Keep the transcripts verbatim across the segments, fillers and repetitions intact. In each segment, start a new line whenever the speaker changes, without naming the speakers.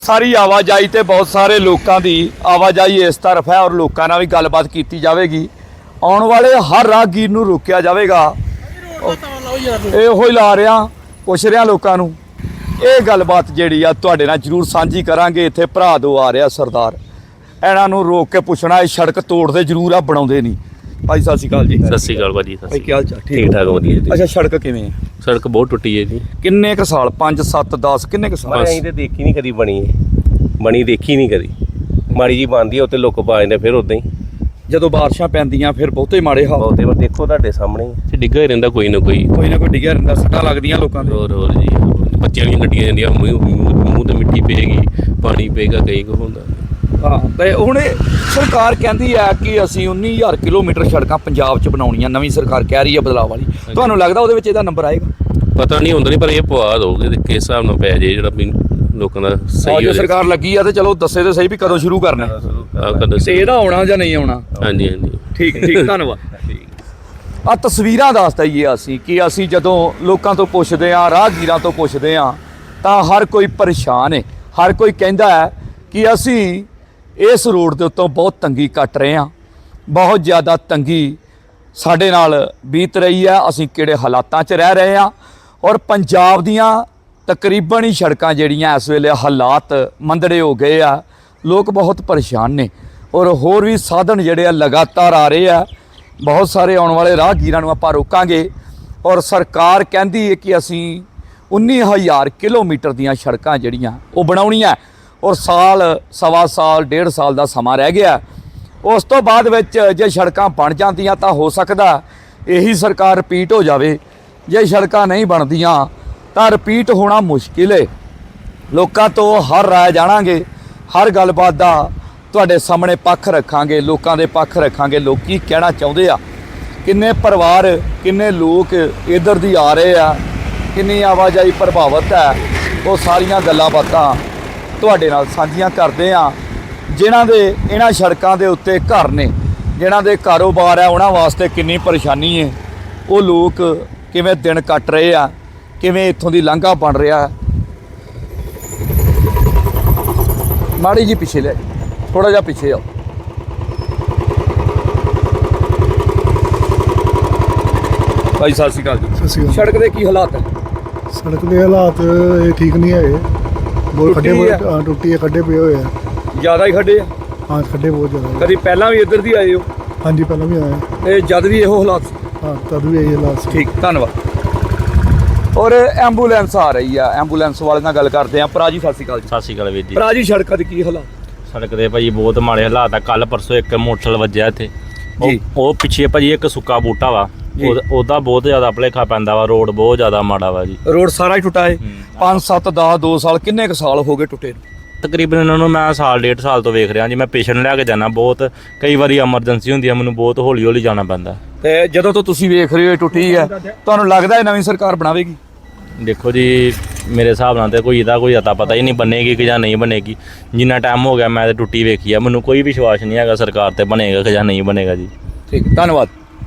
ਸਾਰੀ ਆਵਾਜਾਈ ਤੇ ਬਹੁਤ ਸਾਰੇ ਲੋਕਾਂ ਦੀ ਆਵਾਜਾਈ ਇਸ ਤਰਫ ਹੈ ਔਰ ਲੋਕਾਂ ਨਾਲ ਵੀ ਗੱਲਬਾਤ ਕੀਤੀ ਜਾਵੇਗੀ। ਆਉਣ ਵਾਲੇ ਹਰ ਰਾਹਗੀਰ ਨੂੰ ਰੋਕਿਆ ਜਾਵੇਗਾ। ਇਹੋ ਹੀ ਲਾ ਰਿਹਾ, ਪੁੱਛ ਰਿਹਾ ਲੋਕਾਂ ਨੂੰ। ਇਹ ਗੱਲਬਾਤ ਜਿਹੜੀ ਆ ਤੁਹਾਡੇ ਨਾਲ ਜ਼ਰੂਰ ਸਾਂਝੀ ਕਰਾਂਗੇ। ਇੱਥੇ ਭਰਾ ਦੋ ਆ ਰਿਹਾ ਸਰਦਾਰ, ਇਹਨਾਂ ਨੂੰ ਰੋਕ ਕੇ ਪੁੱਛਣਾ ਇਹ ਸੜਕ ਤੋੜਦੇ ਜ਼ਰੂਰ ਆ, ਬਣਾਉਂਦੇ ਨਹੀਂ। ਭਾਈ ਸਤਿ ਸ਼੍ਰੀ ਅਕਾਲ ਜੀ।
ਸਤਿ ਸ਼੍ਰੀ ਅਕਾਲ ਭਾਜੀ।
ਭਾਈ ਕੀ ਹਾਲ ਚਾਲ?
ਠੀਕ ਠਾਕ ਵਧੀਆ ਜੀ।
ਅੱਛਾ, ਸੜਕ ਕਿਵੇਂ ਹੈ?
ਸੜਕ ਬਹੁਤ ਟੁੱਟੀ ਹੈ ਜੀ।
ਕਿੰਨੇ ਕੁ ਸਾਲ? ਪੰਜ ਸੱਤ ਦਸ ਕਿੰਨੇ ਕੁ ਸਾਲ?
ਅਸੀਂ ਤੇ ਦੇਖੀ ਨਹੀਂ ਕਦੀ ਬਣੀ ਹੈ, ਬਣੀ ਦੇਖੀ ਨਹੀਂ ਕਦੀ। ਮਾੜੀ ਜੀ ਬਣਦੀ ਹੈ ਉੱਤੇ ਲੁੱਕ ਪਾ ਜਾਂਦੇ, ਫਿਰ ਉਦਾਂ ਹੀ
ਜਦੋਂ ਬਾਰਿਸ਼ਾਂ ਪੈਂਦੀਆਂ ਫਿਰ ਬਹੁਤੇ ਮਾੜੇ ਹਾਲ।
ਬਹੁਤੇ ਵਾਰ ਦੇਖੋ ਤੁਹਾਡੇ ਸਾਹਮਣੇ ਹੀ ਡਿੱਗਾ ਹੀ ਰਹਿੰਦਾ ਕੋਈ ਨਾ ਕੋਈ
ਕੋਈ ਨਾ ਕੋਈ ਡਿੱਗਿਆ ਰਹਿੰਦਾ, ਸੱਟਾਂ ਲੱਗਦੀਆਂ ਲੋਕਾਂ ਦੇ।
ਹੋਰ ਹੋਰ ਜੀ, ਬੱਚਿਆਂ ਦੀਆਂ ਗੱਡੀਆਂ ਜਾਂਦੀਆਂ, ਮੂੰਹ ਮੂੰਹ ਤੇ ਮਿੱਟੀ ਪਏਗੀ, ਪਾਣੀ ਪਏਗਾ, ਕਈ ਕੁ ਹੁੰਦਾ।
ਹਾਂ, ਤੇ ਹੁਣ ਸਰਕਾਰ ਕਹਿੰਦੀ ਹੈ ਕਿ ਅਸੀਂ ਉੱਨੀ ਹਜ਼ਾਰ ਕਿਲੋਮੀਟਰ ਸੜਕਾਂ ਪੰਜਾਬ 'ਚ ਬਣਾਉਣੀਆਂ। ਨਵੀਂ ਸਰਕਾਰ ਕਹਿ ਰਹੀ ਹੈ ਬਦਲਾਅ ਵਾਲੀ। ਤੁਹਾਨੂੰ ਲੱਗਦਾ ਉਹਦੇ ਵਿੱਚ ਇਹਦਾ ਨੰਬਰ ਆਏਗਾ?
ਪਤਾ ਨਹੀਂ ਹੁੰਦਾ, ਨਹੀਂ ਪਰ ਇਹ ਪਵਾ ਦੋਗੇ ਤੇ ਕਿਸ ਹਿਸਾਬ ਨਾਲ ਪੈ ਜੇ ਜਿਹੜਾ ਵੀ ਲੋਕਾਂ ਦਾ ਸਹੀ ਹੋ।
ਸਰਕਾਰ ਲੱਗੀ ਆ ਤੇ ਚਲੋ ਦੱਸੇ ਤੇ ਸਹੀ ਵੀ ਕਦੋਂ ਸ਼ੁਰੂ ਕਰਨਾ ਤੇ ਇਹਦਾ ਆਉਣਾ ਜਾਂ ਨਹੀਂ ਆਉਣਾ।
ਹਾਂਜੀ ਹਾਂਜੀ,
ਠੀਕ ਠੀਕ, ਧੰਨਵਾਦ। ਆ ਤਸਵੀਰਾਂ ਦੱਸ ਦਈਏ ਅਸੀਂ ਕਿ ਅਸੀਂ ਜਦੋਂ ਲੋਕਾਂ ਤੋਂ ਪੁੱਛਦੇ ਹਾਂ, ਰਾਹਗੀਰਾਂ ਤੋਂ ਪੁੱਛਦੇ ਹਾਂ, ਤਾਂ ਹਰ ਕੋਈ ਪਰੇਸ਼ਾਨ ਹੈ। ਹਰ ਕੋਈ ਕਹਿੰਦਾ ਹੈ ਕਿ ਅਸੀਂ ਇਸ ਰੋਡ ਦੇ ਉੱਤੋਂ ਬਹੁਤ ਤੰਗੀ ਕੱਟ ਰਹੇ ਹਾਂ, ਬਹੁਤ ਜ਼ਿਆਦਾ ਤੰਗੀ ਸਾਡੇ ਨਾਲ ਬੀਤ ਰਹੀ ਹੈ। ਅਸੀਂ ਕਿਹੜੇ ਹਾਲਾਤਾਂ 'ਚ ਰਹਿ ਰਹੇ ਹਾਂ ਔਰ ਪੰਜਾਬ ਦੀਆਂ ਤਕਰੀਬਨ ਹੀ ਸੜਕਾਂ ਜਿਹੜੀਆਂ ਇਸ ਵੇਲੇ ਹਾਲਾਤ ਮੰਦੜੇ ਹੋ ਗਏ ਆ। ਲੋਕ ਬਹੁਤ ਪਰੇਸ਼ਾਨ ਨੇ ਔਰ ਹੋਰ ਵੀ ਸਾਧਨ ਜਿਹੜੇ ਆ ਲਗਾਤਾਰ ਆ ਰਹੇ ਆ। ਬਹੁਤ ਸਾਰੇ ਆਉਣ ਵਾਲੇ ਰਾਹਗੀਰਾਂ ਨੂੰ ਆਪਾਂ ਰੋਕਾਂਗੇ ਔਰ ਸਰਕਾਰ ਕਹਿੰਦੀ ਹੈ ਕਿ ਅਸੀਂ ਉੱਨੀ ਹਜ਼ਾਰ ਕਿਲੋਮੀਟਰ ਦੀਆਂ ਸੜਕਾਂ ਜਿਹੜੀਆਂ ਉਹ ਬਣਾਉਣੀਆਂ ਔਰ ਸਾਲ ਸਵਾ ਸਾਲ ਡੇਢ ਸਾਲ ਦਾ ਸਮਾਂ ਰਹਿ ਗਿਆ। ਉਸ ਤੋਂ ਬਾਅਦ ਵਿੱਚ ਜੇ ਸੜਕਾਂ ਬਣ ਜਾਂਦੀਆਂ ਤਾਂ ਹੋ ਸਕਦਾ ਇਹੀ ਸਰਕਾਰ ਰਿਪੀਟ ਹੋ ਜਾਵੇ। ਜੇ ਸੜਕਾਂ ਨਹੀਂ ਬਣਦੀਆਂ ਤਾਂ ਰਿਪੀਟ ਹੋਣਾ ਮੁਸ਼ਕਿਲ ਹੈ। ਲੋਕਾਂ ਤੋਂ ਹਰ ਰਾਏ ਜਾਣਾਂਗੇ, ਹਰ ਗੱਲਬਾਤ ਦਾ ਤੁਹਾਡੇ ਸਾਹਮਣੇ ਪੱਖ ਰੱਖਾਂਗੇ, ਲੋਕਾਂ ਦੇ ਪੱਖ ਰੱਖਾਂਗੇ। ਲੋਕ ਕੀ ਕਹਿਣਾ ਚਾਹੁੰਦੇ ਆ, ਕਿੰਨੇ ਪਰਿਵਾਰ, ਕਿੰਨੇ ਲੋਕ ਇੱਧਰ ਦੀ ਆ ਰਹੇ ਆ, ਕਿੰਨੀ ਆਵਾਜਾਈ ਪ੍ਰਭਾਵਿਤ ਹੈ, ਉਹ ਸਾਰੀਆਂ ਗੱਲਾਂ ਬਾਤਾਂ ਤੁਹਾਡੇ ਨਾਲ ਸਾਂਝੀਆਂ ਕਰਦੇ ਆ। ਜਿਨ੍ਹਾਂ ਦੇ ਇਹਨਾਂ ਸੜਕਾਂ ਦੇ ਉੱਤੇ ਘਰ ਨੇ, ਜਿਨ੍ਹਾਂ ਦੇ ਕਾਰੋਬਾਰ ਹੈ, ਉਹਨਾਂ ਵਾਸਤੇ ਕਿੰਨੀ ਪਰੇਸ਼ਾਨੀ ਹੈ। ਉਹ ਲੋਕ ਕਿਵੇਂ ਦਿਨ ਕੱਟ ਰਹੇ ਆ, ਕਿਵੇਂ ਇੱਥੋਂ ਦੀ ਲਾਂਘਾ ਬਣ ਰਿਹਾ। ਮਾੜੀ ਜੀ ਪਿੱਛੇ ਲੈ, ਥੋੜਾ ਜਿਹਾ ਪਿੱਛੇ ਆਓ। ਭਾਈ ਸਤਿ ਸ਼੍ਰੀ ਅਕਾਲ ਜੀ।
ਸਤਿ ਸ਼੍ਰੀ ਅਕਾਲ।
ਸੜਕ ਦੇ ਕੀ ਹਾਲਾਤ ਹੈ?
ਸੜਕ ਦੇ ਹਾਲਾਤ ਇਹ ਠੀਕ ਨਹੀਂ ਹੈਗੇ, ਬਹੁਤ ਖੱਡੇ ਬਹੁਤ ਟੁੱਟੀ ਹੈ, ਖੱਡੇ ਪਏ ਹੋਏ ਆ।
ਜ਼ਿਆਦਾ ਹੀ ਖੱਡੇ ਆ?
ਹਾਂ, ਖੱਡੇ ਬਹੁਤ ਜ਼ਿਆਦਾ।
ਕਦੀ ਪਹਿਲਾਂ ਵੀ ਇੱਧਰ ਦੀ ਆਏ ਹੋ?
ਹਾਂਜੀ, ਪਹਿਲਾਂ ਵੀ ਆਏ।
ਤੇ ਜਦ ਵੀ ਇਹੋ ਹਾਲਾਤ ਸੀ?
ਹਾਂ, ਤਦ ਵੀ ਇਹੀ ਹਾਲਾਤ ਸੀ।
ਠੀਕ, ਧੰਨਵਾਦ। ਔਰ ਐਂਬੂਲੈਂਸ ਆ ਰਹੀ ਆ, ਐਂਬੂਲੈਂਸ ਵਾਲੇ ਨਾਲ ਗੱਲ ਕਰਦੇ ਆ। ਭਰਾ ਜੀ ਸਤਿ ਸ਼੍ਰੀ ਅਕਾਲ ਜੀ।
ਸਤਿ ਸ਼੍ਰੀ ਅਕਾਲ ਵੀਰ ਜੀ।
ਭਰਾ ਜੀ, ਸੜਕਾਂ ਦੇ ਕੀ ਹਾਲਾਤ?
ਸੜਕ ਦੇ ਭਾਜੀ ਬਹੁਤ ਮਾੜੇ ਹਾਲਾਤ ਆ। ਕੱਲ ਪਰਸੋਂ ਇੱਕ ਮੋਟਰਸਾਈਕਲ ਵੱਜਿਆ ਇੱਥੇ,
ਜੀ।
ਉਹ ਪਿੱਛੇ ਭਾਜੀ ਇੱਕ ਸੁੱਕਾ ਬੂਟਾ ਵਾ, ਉਹਦਾ ਬਹੁਤ ਜ਼ਿਆਦਾ ਭੁਲੇਖਾ ਪੈਂਦਾ ਵਾ। ਰੋਡ ਬਹੁਤ ਜ਼ਿਆਦਾ ਮਾੜਾ ਵਾ ਜੀ।
ਰੋਡ ਸਾਰਾ ਹੀ ਟੁੱਟਾ ਹੈ। ਪੰਜ ਸੱਤ ਦਸ ਦੋ ਸਾਲ ਕਿੰਨੇ ਕੁ ਸਾਲ ਹੋ ਗਏ ਟੁੱਟੇ ਨੂੰ?
ਤਕਰੀਬਨ ਇਹਨਾਂ ਨੂੰ ਮੈਂ ਸਾਲ ਡੇਢ ਸਾਲ ਤੋਂ ਵੇਖ ਰਿਹਾ ਜੀ। ਮੈਂ ਪੇਸ਼ੈਂਟ ਲੈ ਕੇ ਜਾਣਾ, ਬਹੁਤ ਕਈ ਵਾਰੀ ਐਮਰਜੈਂਸੀ ਹੁੰਦੀ ਆ, ਮੈਨੂੰ ਬਹੁਤ ਹੌਲੀ ਹੌਲੀ ਜਾਣਾ ਪੈਂਦਾ।
ਤੇ ਜਦੋਂ ਤੋਂ ਤੁਸੀਂ ਵੇਖ ਰਹੇ ਹੋ ਟੁੱਟੀ ਹੈ, ਤੁਹਾਨੂੰ ਲੱਗਦਾ ਹੈ ਨਵੀਂ ਸਰਕਾਰ ਬਣਾਵੇਗੀ?
ਦੇਖੋ ਜੀ, ਮੇਰੇ ਹਿਸਾਬ ਨਾਲ ਤੇ ਕੋਈ ਇਹਦਾ ਕੋਈ ਅਤਾ ਪਤਾ ਹੀ ਨਹੀਂ ਬਣੇਗੀ ਕਿ ਜਾਂ ਨਹੀਂ ਬਣੇਗੀ। ਜਿੰਨਾ ਟਾਈਮ ਹੋ ਗਿਆ ਮੈਂ ਤੇ ਟੁੱਟੀ ਵੇਖੀ ਆ, ਮੈਨੂੰ ਕੋਈ ਵਿਸ਼ਵਾਸ ਨਹੀਂ ਹੈਗਾ ਸਰਕਾਰ ਤੇ ਬਣੇਗਾ ਕਿ ਜਾਂ ਨਹੀਂ ਬਣੇਗਾ ਜੀ।
ਠੀਕ, ਧੰਨਵਾਦ।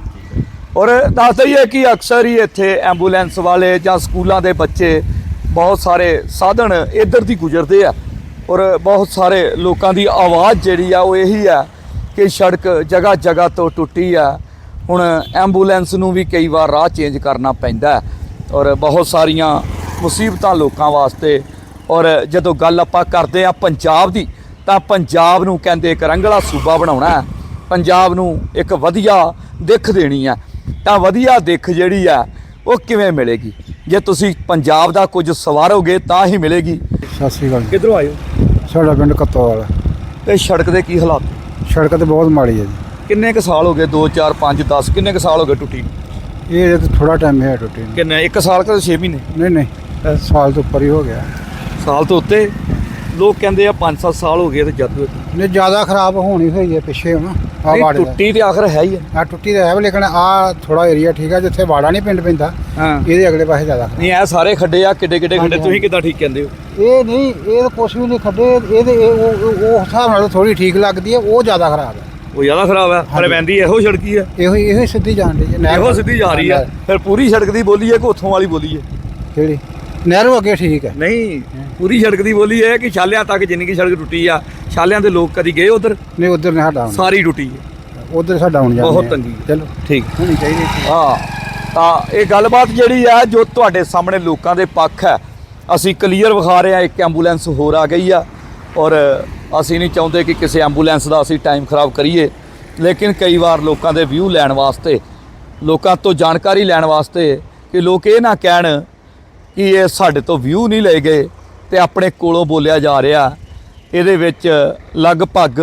ਔਰ ਦੱਸ ਦਈਏ ਕਿ ਅਕਸਰ ਹੀ ਇੱਥੇ ਐਂਬੂਲੈਂਸ ਵਾਲੇ ਜਾਂ ਸਕੂਲਾਂ ਦੇ ਬੱਚੇ, ਬਹੁਤ ਸਾਰੇ ਸਾਧਨ ਇੱਧਰ ਦੀ ਗੁਜ਼ਰਦੇ ਆ ਔਰ ਬਹੁਤ ਸਾਰੇ ਲੋਕਾਂ ਦੀ ਆਵਾਜ਼ ਜਿਹੜੀ ਆ ਉਹ ਇਹੀ ਆ ਕਿ ਸੜਕ ਜਗ੍ਹਾ ਜਗ੍ਹਾ ਤੋਂ ਟੁੱਟੀ ਆ। ਹੁਣ ਐਂਬੂਲੈਂਸ ਨੂੰ ਵੀ ਕਈ ਵਾਰ ਰਾਹ ਚੇਂਜ ਕਰਨਾ ਪੈਂਦਾ ਔਰ ਬਹੁਤ ਸਾਰੀਆਂ ਮੁਸੀਬਤਾਂ ਲੋਕਾਂ ਵਾਸਤੇ। ਔਰ ਜਦੋਂ ਗੱਲ ਆਪਾਂ ਕਰਦੇ ਆ ਪੰਜਾਬ ਦੀ, ਤਾਂ ਪੰਜਾਬ ਨੂੰ ਕਹਿੰਦੇ ਇੱਕ ਰੰਗਲਾ ਸੂਬਾ ਬਣਾਉਣਾ, ਪੰਜਾਬ ਨੂੰ ਇੱਕ ਵਧੀਆ ਦਿੱਖ ਦੇਣੀ ਆ। ਤਾਂ ਵਧੀਆ ਦਿੱਖ ਜਿਹੜੀ ਆ ਉਹ ਕਿਵੇਂ ਮਿਲੇਗੀ? ਜੇ ਤੁਸੀਂ ਪੰਜਾਬ ਦਾ ਕੁਝ ਸਵਾਰੋਗੇ ਤਾਂ ਹੀ ਮਿਲੇਗੀ।
ਸਤਿ ਸ਼੍ਰੀ ਅਕਾਲ।
ਕਿੱਧਰੋਂ ਆਏ ਹੋ?
ਸਾਡਾ ਪਿੰਡ ਕੱਤੋਵਾਲ।
ਤੇ ਸੜਕ ਦੇ ਕੀ ਹਾਲਾਤ?
ਸੜਕ ਤੇ ਬਹੁਤ ਮਾੜੀ ਹੈ ਜੀ।
ਕਿੰਨੇ ਕੁ ਸਾਲ ਹੋ ਗਏ? ਦੋ ਚਾਰ ਪੰਜ ਦਸ ਕਿੰਨੇ ਕੁ ਸਾਲ ਹੋ ਗਏ ਟੁੱਟੀ?
ਇਹ ਤਾਂ ਥੋੜਾ ਟਾਈਮ ਹੈ ਟੁੱਟੀ ਨੂੰ।
ਕਿੰਨੇ? ਇੱਕ ਸਾਲ ਕਿ ਛੇ ਮਹੀਨੇ?
ਨਹੀਂ ਨਹੀਂ, ਸਾਲ ਤੋਂ ਉੱਪਰ ਹੀ ਹੋ ਗਿਆ।
ਸਾਲ ਤੋਂ ਉੱਤੇ? ਲੋਕ ਕਹਿੰਦੇ ਆ ਪੰਜ ਸੱਤ ਸਾਲ ਹੋ ਗਏ ਤੇ ਜਦ
ਨਹੀਂ, ਜ਼ਿਆਦਾ ਖਰਾਬ ਹੋਣੀ ਹੋਈ ਹੈ ਪਿੱਛੇ ਹੁਣ। ਆ ਵਾੜੇ
ਟੁੱਟੀ ਤੇ ਆਖਰ ਹੈ ਹੀ
ਆ ਟੁੱਟੀ ਤਾਂ ਹੈ, ਲੇਕਿਨ ਆ ਥੋੜਾ ਏਰੀਆ ਠੀਕ ਹੈ ਜਿੱਥੇ ਵਾੜਾ ਨਹੀਂ ਪਿੰਡ ਪੈਂਦਾ।
ਹਾਂ,
ਇਹਦੇ ਅਗਲੇ ਪਾਸੇ ਜ਼ਿਆਦਾ
ਨਹੀਂ ਇਹ ਸਾਰੇ ਖੱਡੇ ਆ, ਕਿੱਡੇ ਕਿੱਡੇ ਖੱਡੇ? ਤੁਸੀਂ ਕਿੱਦਾਂ ਠੀਕ ਕਹਿੰਦੇ ਹੋ?
ਇਹ ਨਹੀਂ, ਇਹ ਤਾਂ ਕੁਛ ਵੀ ਨਹੀਂ ਖੱਡੇ। ਇਹਦੇ ਇਹ ਉਹ ਉਹ ਹਿਸਾਬ ਨਾਲ ਥੋੜੀ ਠੀਕ ਲੱਗਦੀ ਹੈ, ਉਹ ਜ਼ਿਆਦਾ ਖਰਾਬ ਹੈ।
ਉਹ ਜ਼ਿਆਦਾ ਖਰਾਬ ਹੈ? ਪਰ ਪੈਂਦੀ ਇਹੋ ਸੜਕੀ ਹੈ,
ਇਹੋ ਇਹੋ ਹੀ ਸਿੱਧੀ ਜਾਣ ਦੀ।
ਇਹੋ ਸਿੱਧੀ ਜਾ ਰਹੀ ਹੈ। ਫਿਰ ਪੂਰੀ ਸੜਕ ਦੀ ਬੋਲੀ ਹੈ ਕਿ ਉੱਥੋਂ ਵਾਲੀ ਬੋਲੀ ਹੈ?
ਕਿਹੜੀ? ਨਹਿਰੋਂ ਅੱਗੇ ਠੀਕ ਹੈ।
ਨਹੀਂ ਪੂਰੀ ਸੜਕ ਦੀ ਬੋਲੀ ਇਹ ਹੈ ਕਿ ਛਾਲਿਆਂ ਤੱਕ ਜਿੰਨੀ ਕੀ ਸੜਕ ਟੁੱਟੀ ਆ, ਛਾਲਿਆਂ ਦੇ ਲੋਕ ਕਦੀ ਗਏ ਉਧਰ?
ਨਹੀਂ ਉਧਰ ਨਹੀਂ ਸਾਡਾ ਆਉਣਾ,
ਸਾਰੀ ਟੁੱਟੀ ਹੈ,
ਉਧਰ ਸਾਡਾ ਆਉਣ ਜਾਣਾ
ਬਹੁਤ ਤੰਗੀ ਹੈ।
ਚਲੋ
ਠੀਕ
ਹੋਣੀ ਚਾਹੀਦੀ।
ਹਾਂ, ਤਾਂ ਇਹ ਗੱਲਬਾਤ ਜਿਹੜੀ ਆ ਜੋ ਤੁਹਾਡੇ ਸਾਹਮਣੇ ਲੋਕਾਂ ਦੇ ਪੱਖ ਹੈ, ਅਸੀਂ ਕਲੀਅਰ ਵਿਖਾ ਰਹੇ ਹਾਂ। ਇੱਕ ਐਂਬੂਲੈਂਸ ਹੋਰ ਆ ਗਈ ਆ ਔਰ ਅਸੀਂ ਨਹੀਂ ਚਾਹੁੰਦੇ ਕਿ ਕਿਸੇ ਐਂਬੂਲੈਂਸ ਦਾ ਅਸੀਂ ਟਾਈਮ ਖਰਾਬ ਕਰੀਏ, ਲੇਕਿਨ ਕਈ ਵਾਰ ਲੋਕਾਂ ਦੇ ਵਿਊ ਲੈਣ ਵਾਸਤੇ, ਲੋਕਾਂ ਤੋਂ ਜਾਣਕਾਰੀ ਲੈਣ ਵਾਸਤੇ, ਕਿ ਲੋਕ ਇਹ ਨਾ ਕਹਿਣ ਕਿ ਇਹ ਸਾਡੇ ਤੋਂ ਵਿਊ ਨਹੀਂ ਲਏ ਗਏ ਤੇ ਆਪਣੇ ਕੋਲੋਂ ਬੋਲਿਆ ਜਾ ਰਿਹਾ। ਇਹਦੇ ਵਿੱਚ ਲਗਭਗ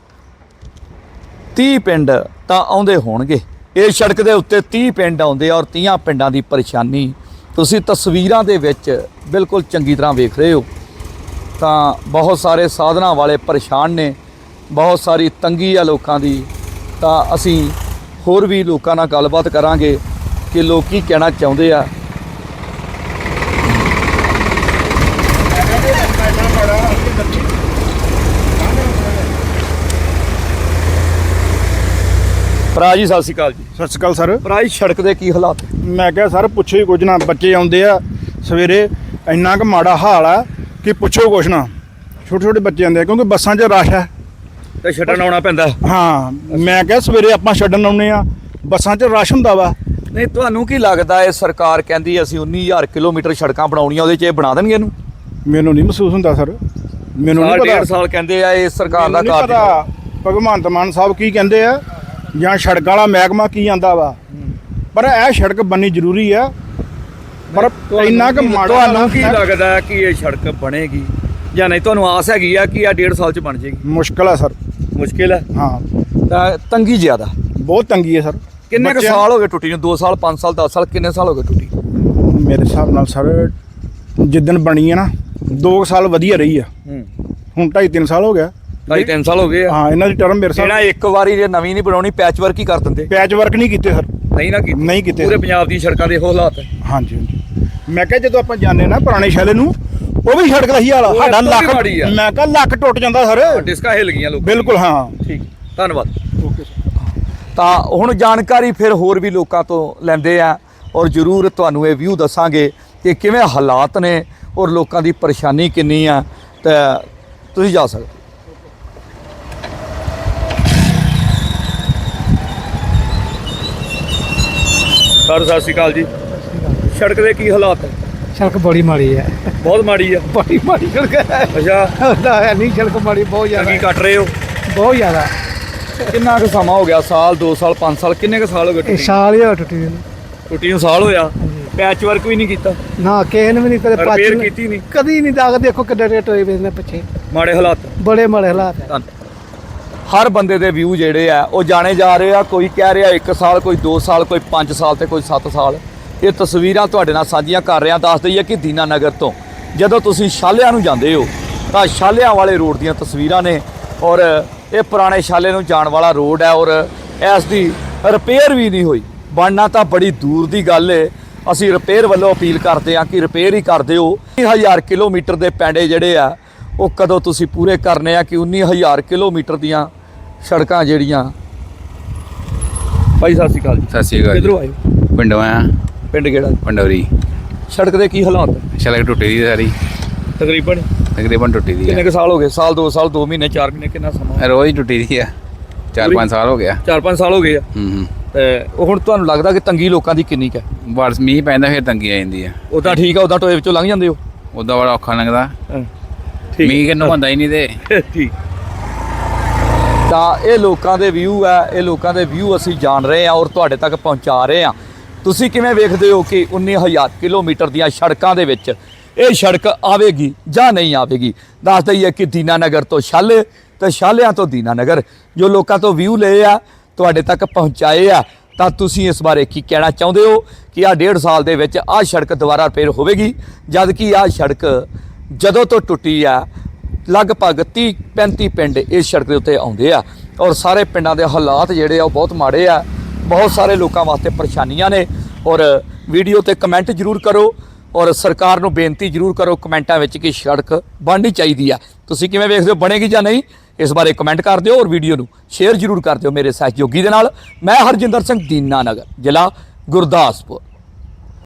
ਤੀਹ ਪਿੰਡ ਤਾਂ ਆਉਂਦੇ ਹੋਣਗੇ। ਇਹ ਸੜਕ ਦੇ ਉੱਤੇ ਤੀਹ ਪਿੰਡ ਆਉਂਦੇ ਆ ਔਰ ਤੀਹਾਂ ਪਿੰਡਾਂ ਦੀ ਪਰੇਸ਼ਾਨੀ ਤੁਸੀਂ ਤਸਵੀਰਾਂ ਦੇ ਵਿੱਚ ਬਿਲਕੁਲ ਚੰਗੀ ਤਰ੍ਹਾਂ ਵੇਖ ਰਹੇ ਹੋ। ਤਾਂ ਬਹੁਤ ਸਾਰੇ ਸਾਧਨਾਂ ਵਾਲੇ ਪਰੇਸ਼ਾਨ ਨੇ, ਬਹੁਤ ਸਾਰੀ ਤੰਗੀ ਆ ਲੋਕਾਂ ਦੀ। ਤਾਂ ਅਸੀਂ ਹੋਰ ਵੀ ਲੋਕਾਂ ਨਾਲ ਗੱਲਬਾਤ ਕਰਾਂਗੇ ਕਿ ਲੋਕ ਕੀ ਕਹਿਣਾ ਚਾਹੁੰਦੇ ਆ। ਭਰਾ ਜੀ ਸਤਿ ਸ਼੍ਰੀ ਅਕਾਲ ਜੀ।
ਸਤਿ ਸ਼੍ਰੀ ਅਕਾਲ ਸਰ।
ਭਰਾ ਜੀ ਸੜਕ ਦੇ ਕੀ ਹਾਲਾਤ?
ਮੈਂ ਕਿਹਾ ਸਰ ਪੁੱਛੋ ਹੀ ਕੁਝ ਨਾ, ਬੱਚੇ ਆਉਂਦੇ ਆ ਸਵੇਰੇ, ਇੰਨਾ ਕੁ ਮਾੜਾ ਹਾਲ ਆ ਕਿ ਪੁੱਛੋ ਕੁਛ ਨਾ। ਛੋਟੇ ਛੋਟੇ ਬੱਚੇ ਆਉਂਦੇ ਆ ਕਿਉਂਕਿ ਬੱਸਾਂ 'ਚ ਰਸ਼ ਹੈ
ਤੇ ਛੱਡਣ ਆਉਣਾ ਪੈਂਦਾ।
ਹਾਂ, ਮੈਂ ਕਿਹਾ ਸਵੇਰੇ ਆਪਾਂ ਛੱਡਣ ਆਉਂਦੇ ਆ, ਬੱਸਾਂ 'ਚ ਰਸ਼ ਹੁੰਦਾ ਵਾ।
ਨਹੀਂ ਤੁਹਾਨੂੰ ਕੀ ਲੱਗਦਾ ਇਹ ਸਰਕਾਰ ਕਹਿੰਦੀ ਅਸੀਂ ਉੱਨੀ ਹਜ਼ਾਰ ਕਿਲੋਮੀਟਰ ਸੜਕਾਂ ਬਣਾਉਣੀਆਂ, ਉਹਦੇ 'ਚ ਇਹ ਬਣਾ ਦੇਣਗੇ ਇਹਨੂੰ?
ਮੈਨੂੰ ਨਹੀਂ ਮਹਿਸੂਸ ਹੁੰਦਾ ਸਰ, ਮੈਨੂੰ ਨਹੀਂ
ਸਾਲ
ਪਤਾ।
ਡੇਢ ਸਾਲ ਕਹਿੰਦੇ ਆ ਇਹ ਸਰਕਾਰ ਦਾ
ਮੈਨੂੰ ਨਹੀਂ
ਕਾਰਜ।
ਪਤਾ ਭਗਵੰਤ ਮਾਨ ਸਾਹਿਬ ਕੀ ਕਹਿੰਦੇ ਆ ਜਾਂ ਸੜਕ ਵਾਲਾ ਮਹਿਕਮਾ ਕੀ ਆਂਦਾ ਵਾ, ਪਰ ਇਹ ਸੜਕ ਬਣਨੀ ਜ਼ਰੂਰੀ ਆ। ਪਰ ਇੰਨਾ ਕੁ ਮਾੜਾ
ਤੁਹਾਨੂੰ ਕੀ ਲੱਗਦਾ ਹੈ ਕਿ ਇਹ ਸੜਕ ਬਣੇਗੀ ਜਾਂ ਨਹੀਂ? ਤੁਹਾਨੂੰ ਆਸ ਹੈਗੀ ਆ ਕਿ ਆ ਡੇਢ ਸਾਲ 'ਚ ਬਣ ਜਾਏਗੀ?
ਮੁਸ਼ਕਲ ਆ ਸਰ।
ਮੁਸ਼ਕਿਲ ਹੈ।
ਹਾਂ,
ਤਾਂ ਤੰਗੀ ਜ਼ਿਆਦਾ।
ਬਹੁਤ ਤੰਗੀ ਹੈ ਸਰ।
ਕਿੰਨੇ ਕੁ
ਬੱਚਿਆਂ-
ਸਾਲ ਹੋ ਗਏ ਟੁੱਟੀ ਨੂੰ? ਦੋ ਸਾਲ, ਪੰਜ ਸਾਲ, ਦਸ ਸਾਲ, ਕਿੰਨੇ ਸਾਲ ਹੋ ਗਏ ਟੁੱਟੀ?
ਮੇਰੇ ਹਿਸਾਬ ਨਾਲ ਸਰ ਜਿੱਦਣ ਬਣੀ ਹੈ ਨਾ, ਦੋ ਕੁ ਸਾਲ ਵਧੀਆ ਰਹੀ ਆ।
ਹੂੰ,
ਹੁਣ ਢਾਈ ਤਿੰਨ ਸਾਲ ਹੋ ਗਿਆ।
ਢਾਈ ਤਿੰਨ ਸਾਲ ਹੋ ਗਏ ਆ।
ਹਾਂ, ਇਹਨਾਂ ਦੀ ਟਰਮ ਮੇਰੇ
ਜਿਹੜਾ
ਸਾਹ
ਇੱਕ ਵਾਰੀ ਜੇ ਨਵੀਂ ਨਹੀਂ ਬਣਾਉਣੀ ਪੈਚ ਵਰਕ ਹੀ ਕਰ ਦਿੰਦੇ।
ਪੈਚ ਵਰਕ ਨਹੀਂ ਕੀਤੇ ਸਰ।
ਨਹੀਂ ਨਾ ਕੀਤੀ।
ਨਹੀਂ ਕੀਤੇ।
ਪੂਰੇ ਪੰਜਾਬ ਦੀ ਸੜਕਾਂ ਦੇ ਇਹੋ ਹਾਲਾਤ ਹੈ।
ਹਾਂਜੀ ਹਾਂਜੀ। ਮੈਂ ਕਿਹਾ ਜਦੋਂ ਆਪਾਂ ਜਾਂਦੇ ਨਾ ਪੁਰਾਣੇ ਸ਼ੈਲੇ ਨੂੰ, ਉਹ ਵੀ ਸੜਕ ਦਾ ਹੀ ਹਾਲ ਆ।
ਉਹ
ਸਾਡਾ
ਇੱਥੋਂ ਵੀ
ਲੱਕ,
ਮਾੜੀ ਆ।
ਮੈਂ ਕਿਹਾ ਲੱਕ ਟੁੱਟ ਜਾਂਦਾ ਸਰ।
ਡਿਸਕਾਂ ਹਿੱਲ ਗਈਆਂ ਲੋਕ।
ਬਿਲਕੁਲ ਹਾਂ।
ਠੀਕ, ਧੰਨਵਾਦ।
Okay sir.
ਤਾਂ ਹੁਣ ਜਾਣਕਾਰੀ ਫਿਰ ਹੋਰ ਵੀ ਲੋਕਾਂ ਤੋਂ ਲੈਂਦੇ ਆ ਔਰ ਜ਼ਰੂਰ ਤੁਹਾਨੂੰ ਇਹ ਵਿਊ ਦੱਸਾਂਗੇ ਕਿ ਕਿਵੇਂ ਹਾਲਾਤ ਨੇ ਔਰ ਲੋਕਾਂ ਦੀ ਪਰੇਸ਼ਾਨੀ ਕਿੰਨੀ ਆ। ਤਾਂ ਤੁਸੀਂ ਜਾ ਸਕਦੇ। ਸਰ ਸਤਿ ਸ਼੍ਰੀ ਅਕਾਲ ਜੀ। ਸੜਕ ਦੇ ਕੀ ਹਾਲਾਤ ਹੈ?
ਸੜਕ ਬੜੀ ਮਾੜੀ ਹੈ,
ਬਹੁਤ ਮਾੜੀ ਆ।
ਬੜੀ ਮਾੜੀ ਸੜਕ ਹੈ।
ਅੱਛਾ,
ਹੈ ਨਹੀਂ ਸੜਕ ਮਾੜੀ, ਬਹੁਤ ਜ਼ਿਆਦਾ
ਕੀ ਕੱਟ ਰਹੇ ਹੋ?
ਬਹੁਤ ਜ਼ਿਆਦਾ।
ਕਿੰਨਾ ਕੁ ਸਮਾਂ ਹੋ ਗਿਆ? ਸਾਲ, ਦੋ ਸਾਲ, ਪੰਜ ਸਾਲ, ਕਿੰਨੇ ਕੁ ਸਾਲ ਹੋ ਗਏ
ਇਹ
ਟੁੱਟੀ?
ਸਾਲ ਹੀ ਹੋਇਆ ਟੁੱਟੀ ਨੂੰ।
ਟੁੱਟੀ ਨੂੰ ਸਾਲ ਹੋਇਆ। ਪੈਚ ਵਰਕ ਵੀ ਨਹੀਂ ਕੀਤਾ,
ਨਾ ਕਿਸੇ ਨੇ ਵੀ ਨਹੀਂ ਕਦੇ
ਰਿਪੇਅਰ
ਪਾਚ
ਕੀਤੀ ਨਹੀਂ।
ਕਦੀ ਨਹੀਂ ਦਾਗ। ਦੇਖੋ ਕਿੱਡੇ ਰੇਟ ਹੋਏ ਵੇ ਨੇ ਪਿੱਛੇ,
ਮਾੜੇ ਹਾਲਾਤ।
ਬੜੇ ਮਾੜੇ ਹਾਲਾਤ ਹੈ।
ਹਰ ਬੰਦੇ ਦੇ ਵਿਊ ਜਿਹੜੇ ਆ ਉਹ ਜਾਣੇ ਜਾ ਰਹੇ ਆ। ਕੋਈ ਕਹਿ ਰਿਹਾ ਇੱਕ ਸਾਲ, ਕੋਈ ਦੋ ਸਾਲ, ਕੋਈ ਪੰਜ ਸਾਲ ਤੇ ਕੋਈ ਸੱਤ ਸਾਲ। ਇਹ ਤਸਵੀਰਾਂ ਤੁਹਾਡੇ ਨਾਲ ਸਾਂਝੀਆਂ ਕਰ ਰਿਹਾ। ਦੱਸ ਦਈਏ ਕਿ ਦੀਨਾ ਨਗਰ ਤੋਂ ਜਦੋਂ ਤੁਸੀਂ ਛਾਲਿਆਂ ਨੂੰ ਜਾਂਦੇ ਹੋ ਤਾਂ ਛਾਲਿਆਂ ਵਾਲੇ ਰੋਡ ਦੀਆਂ ਤਸਵੀਰਾਂ ਨੇ ਔਰ ਇਹ ਪੁਰਾਣੇ ਛਾਲੇ ਨੂੰ ਜਾਣ ਵਾਲਾ ਰੋਡ ਹੈ ਔਰ ਇਸ ਦੀ ਰਿਪੇਅਰ ਵੀ ਨਹੀਂ ਹੋਈ। ਬਣਨਾ ਤਾਂ ਬੜੀ ਦੂਰ ਦੀ ਗੱਲ ਏ। ਅਸੀਂ ਰਿਪੇਅਰ ਵੱਲੋਂ ਅਪੀਲ ਕਰਦੇ ਹਾਂ ਕਿ ਰਿਪੇਅਰ ਹੀ ਕਰ ਦਿਓ। ਉੱਨੀ ਹਜ਼ਾਰ ਕਿਲੋਮੀਟਰ ਦੇ ਪੈਂਡੇ ਜਿਹੜੇ ਆ ਉਹ ਕਦੋਂ ਤੁਸੀਂ ਪੂਰੇ ਕਰਨੇ ਆ ਕਿ ਉੱਨੀ ਹਜ਼ਾਰ ਕਿਲੋਮੀਟਰ ਦੀਆਂ ਸੜਕਾਂ ਜਿਹੜੀਆਂ। ਭਾਈ ਸਤਿ ਸ਼੍ਰੀ ਅਕਾਲ ਜੀ।
ਸਤਿ ਸ਼੍ਰੀ ਅਕਾਲ
ਕਿੱਧਰੋਂ ਆਏ ਹੋ?
ਪਿੰਡੋਂ ਆਇਆ।
ਪਿੰਡ ਕਿਹੜਾ?
ਪੰਡੌਰੀ।
ਸੜਕ ਦੇ ਕੀ ਹਾਲਾਤ ਹੈ?
ਸੜਕ ਟੁੱਟੀ ਦੀ ਸਾਰੀ,
ਤਕਰੀਬਨ
ਤਕਰੀਬਨ ਟੁੱਟੀ ਦੀ
ਕਿੰਨੇ
ਆ।
ਕੁ ਸਾਲ ਹੋ ਗਏ? ਸਾਲ, ਦੋ ਸਾਲ, ਦੋ ਮਹੀਨੇ, ਚਾਰ ਮਹੀਨੇ, ਕਿੰਨਾ ਸਮਾਂ?
ਰੋਜ਼ ਟੁੱਟੀ ਦੀ ਆ। ਚਾਰ ਪੰਜ ਸਾਲ ਹੋ ਗਿਆ।
ਚਾਰ ਪੰਜ ਸਾਲ ਹੋ ਗਏ ਆ।
ਹੂੰ ਹੂੰ।
ਤੇ ਉਹ ਹੁਣ ਤੁਹਾਨੂੰ ਲੱਗਦਾ ਕਿ ਤੰਗੀ ਲੋਕਾਂ ਦੀ ਕਿੰਨੀ ਕੁ ਹੈ?
ਬਸ ਮੀਂਹ ਪੈਂਦਾ ਫਿਰ ਤੰਗੀ ਆ ਜਾਂਦੀ ਆ।
ਉਦਾਂ ਠੀਕ ਆ, ਉਦਾਂ ਟੋਏ ਵਿੱਚੋਂ ਲੰਘ ਜਾਂਦੇ ਹੋ?
ਉਦਾਂ ਬੜਾ ਔਖਾ ਲੱਗਦਾ।
ਠੀਕ
ਮੀਂਹ ਕਿੰਨੂ ਹੁੰਦਾ ਹੀ ਨਹੀਂ ਤੇ।
ਠੀਕ। ਤਾਂ ਇਹ ਲੋਕਾਂ ਦੇ ਵਿਊ ਆ, ਇਹ ਲੋਕਾਂ ਦੇ ਵਿਊ ਅਸੀਂ ਜਾਣ ਰਹੇ ਹਾਂ ਔਰ ਤੁਹਾਡੇ ਤੱਕ ਪਹੁੰਚਾ ਰਹੇ ਹਾਂ। ਤੁਸੀਂ ਕਿਵੇਂ ਵੇਖਦੇ ਹੋ ਕਿ ਉੱਨੀ ਹਜ਼ਾਰ ਕਿਲੋਮੀਟਰ ਦੀਆਂ ਸੜਕਾਂ ਦੇ ਵਿੱਚ ਇਹ ਸੜਕ ਆਵੇਗੀ ਜਾਂ ਨਹੀਂ ਆਵੇਗੀ? ਦੱਸ ਦਈਏ ਕਿ ਦੀਨਾ ਨਗਰ ਤੋਂ ਛਾਲੇ ਤੇ ਛਾਲਿਆਂ ਤੋਂ ਦੀਨਾ ਨਗਰ ਜੋ ਲੋਕਾਂ ਤੋਂ ਵਿਊ ਲਏ ਆ ਤੁਹਾਡੇ ਤੱਕ ਪਹੁੰਚਾਏ ਆ। ਤਾਂ ਤੁਸੀਂ ਇਸ ਬਾਰੇ ਕੀ ਕਹਿਣਾ ਚਾਹੁੰਦੇ ਹੋ ਕਿ ਆਹ ਡੇਢ ਸਾਲ ਦੇ ਵਿੱਚ ਆਹ ਸੜਕ ਦੁਬਾਰਾ ਰਿਪੇਅਰ ਹੋਵੇਗੀ? ਜਦ ਕਿ ਆਹ ਸੜਕ ਜਦੋਂ ਤੋਂ ਟੁੱਟੀ ਆ ਲਗਭਗ ਤੀਹ ਪੈਂਤੀ ਪਿੰਡ ਇਸ ਸੜਕ ਦੇ ਉੱਤੇ ਆਉਂਦੇ ਆ ਔਰ ਸਾਰੇ ਪਿੰਡਾਂ ਦੇ ਹਾਲਾਤ ਜਿਹੜੇ ਆ ਉਹ ਬਹੁਤ ਮਾੜੇ ਆ। ਬਹੁਤ ਸਾਰੇ ਲੋਕਾਂ ਵਾਸਤੇ ਪਰੇਸ਼ਾਨੀਆਂ ਨੇ ਔਰ ਵੀਡੀਓ ਤੇ ਕਮੈਂਟ ਜ਼ਰੂਰ ਕਰੋ ਔਰ ਸਰਕਾਰ ਨੂੰ ਬੇਨਤੀ ਜ਼ਰੂਰ ਕਰੋ ਕਮੈਂਟਾਂ ਵਿੱਚ ਕਿ ਸੜਕ ਬਣਨੀ ਚਾਹੀਦੀ ਆ। ਤੁਸੀਂ ਕਿਵੇਂ ਵੇਖਦੇ ਹੋ, ਬਣੇਗੀ ਜਾਂ ਨਹੀਂ? ਇਸ ਬਾਰੇ ਕਮੈਂਟ ਕਰ ਦਿਓ ਔਰ ਵੀਡੀਓ ਨੂੰ ਸ਼ੇਅਰ ਜ਼ਰੂਰ ਕਰ ਦਿਓ ਮੇਰੇ ਸਹਿਯੋਗੀ ਦੇ ਨਾਲ। ਮੈਂ ਹਰਜਿੰਦਰ ਸਿੰਘ, ਦੀਨਾ ਨਗਰ, ਜ਼ਿਲ੍ਹਾ ਗੁਰਦਾਸਪੁਰ।